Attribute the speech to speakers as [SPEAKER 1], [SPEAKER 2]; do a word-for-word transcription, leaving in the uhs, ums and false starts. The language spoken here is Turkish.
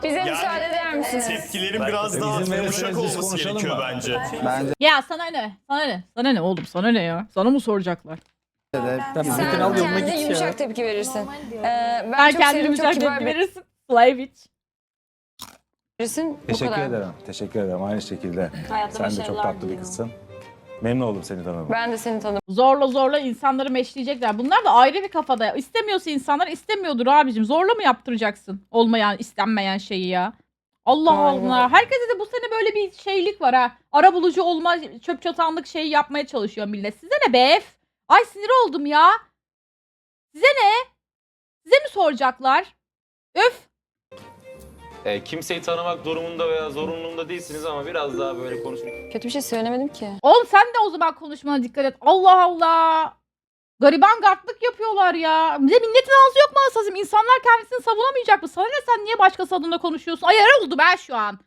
[SPEAKER 1] Bize
[SPEAKER 2] Yani
[SPEAKER 1] müsaade eder misiniz?
[SPEAKER 2] Tepkilerin biraz daha
[SPEAKER 3] Bizim
[SPEAKER 2] yumuşak
[SPEAKER 3] verirseniz biz
[SPEAKER 2] olması
[SPEAKER 3] konuşalım
[SPEAKER 2] gerekiyor
[SPEAKER 3] mı?
[SPEAKER 2] bence.
[SPEAKER 4] Bence
[SPEAKER 5] Ya sana ne? Sana ne? Sana ne oğlum? Sana ne ya? Sana mı soracaklar?
[SPEAKER 4] de.
[SPEAKER 3] Sen
[SPEAKER 1] Sen
[SPEAKER 3] Metin al yoluna
[SPEAKER 1] kendi
[SPEAKER 3] git
[SPEAKER 1] yumuşak
[SPEAKER 3] ya.
[SPEAKER 1] tepki verirsin. Ee, ben
[SPEAKER 5] Ben
[SPEAKER 1] çok
[SPEAKER 5] kendimi
[SPEAKER 1] sevdim, çok
[SPEAKER 5] güzel
[SPEAKER 1] kibar
[SPEAKER 5] tepki
[SPEAKER 1] bir
[SPEAKER 5] verirsin. Slavic.
[SPEAKER 1] birisin. Bu
[SPEAKER 3] Teşekkür
[SPEAKER 1] kadar.
[SPEAKER 3] ederim. Teşekkür ederim. Aynı şekilde.
[SPEAKER 1] Hayatta
[SPEAKER 3] Sen de çok
[SPEAKER 1] başarılar
[SPEAKER 3] tatlı bir
[SPEAKER 1] diliyorum.
[SPEAKER 3] kızsın. Memnun oldum seni tanıdığıma.
[SPEAKER 1] Ben de seni tanıdım.
[SPEAKER 5] Zorla zorla insanları meşleyecekler. Bunlar da ayrı bir kafada. İstemiyorsa insanlar istemiyordur abicim. Zorla mı yaptıracaksın olmayan, istenmeyen şeyi ya? Allah
[SPEAKER 1] Aynen.
[SPEAKER 5] Allah. Herkese de bu sene böyle bir şeylik var ha. Arabulucu olma, çöp çatanlık şeyi yapmaya çalışıyor millet. Size ne be? Ay sinir oldum ya. Size ne? Size mi soracaklar? Öf.
[SPEAKER 6] E, kimseyi tanımak durumunda veya zorunluluğunda değilsiniz ama biraz daha böyle konuşun.
[SPEAKER 1] Kötü bir şey söylemedim ki.
[SPEAKER 5] Oğlum sen de o zaman konuşmana dikkat et. Allah Allah. Gariban gartlık yapıyorlar ya. Bir de milletin ağzı yok mu asasım? İnsanlar kendisini savunamayacak mı? Sana ne, sen niye başkası adına konuşuyorsun? Ay yara oldu ben şu an.